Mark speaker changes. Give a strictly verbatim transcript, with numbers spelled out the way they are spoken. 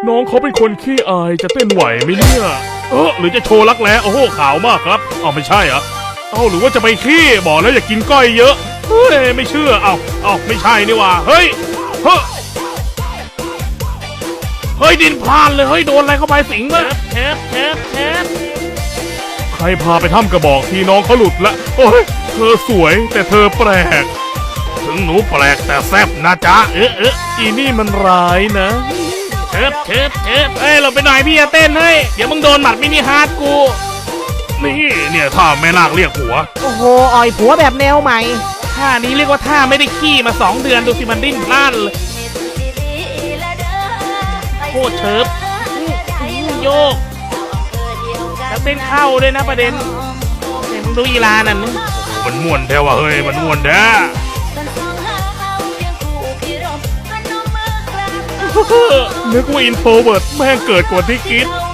Speaker 1: น้องเขาเป็นคนขี้อายจะเต้นไหวไหมเนี่ยเออหรือจะโชว์รักแร้โอ้โหขาวมากครับเอาไม่ใช่เหรอเอาหรือว่าจะไปขี้บอกแล้วอย่ากินก้อยเยอะเฮ้ยไม่เชื่อเอาเอาไม่ใช่นี่ว่าเฮ้ยเฮ้ยเฮ้ยดินพลานเลยเฮ้ยโดนอะไรเข้าไปสิงเลยเทปเทปเทปใครพาไปถ้ำกระบอกทีน้องเขาหลุดละโอ้ยเธอสวยแต่เธอแปลกถึงหนูแปลกแต่แซ่บนะจ๊ะเอ๊ะเอ๊ะอีนี่มันร้ายนะเทปเทปเทปเอ้ยเราไปหน่อยพี่จะเต้นให้เดี๋ยวมึงโดนหมัดมินิฮาร์ดกูนี่เนี่ยท่าแม่นาคเรียกผัว
Speaker 2: โอ้โหอ่อยผัวแบบแนวใหม่
Speaker 1: ท่านี้เรียกว่าท่าไม่ได้ขี้มาสองเดือนดูสิมันดิ้นพล่านเลยโคตรเชิบโยกแล้วเต้นเข้าด้วยนะประเด็นเห็นมึงดูอีลานั่นมันม่วนแท้ว่ะเฮ้ยมันม่วนแท้นึกว่าอินโทรเวิร์ตแม่งเกิดกว่าที่คิด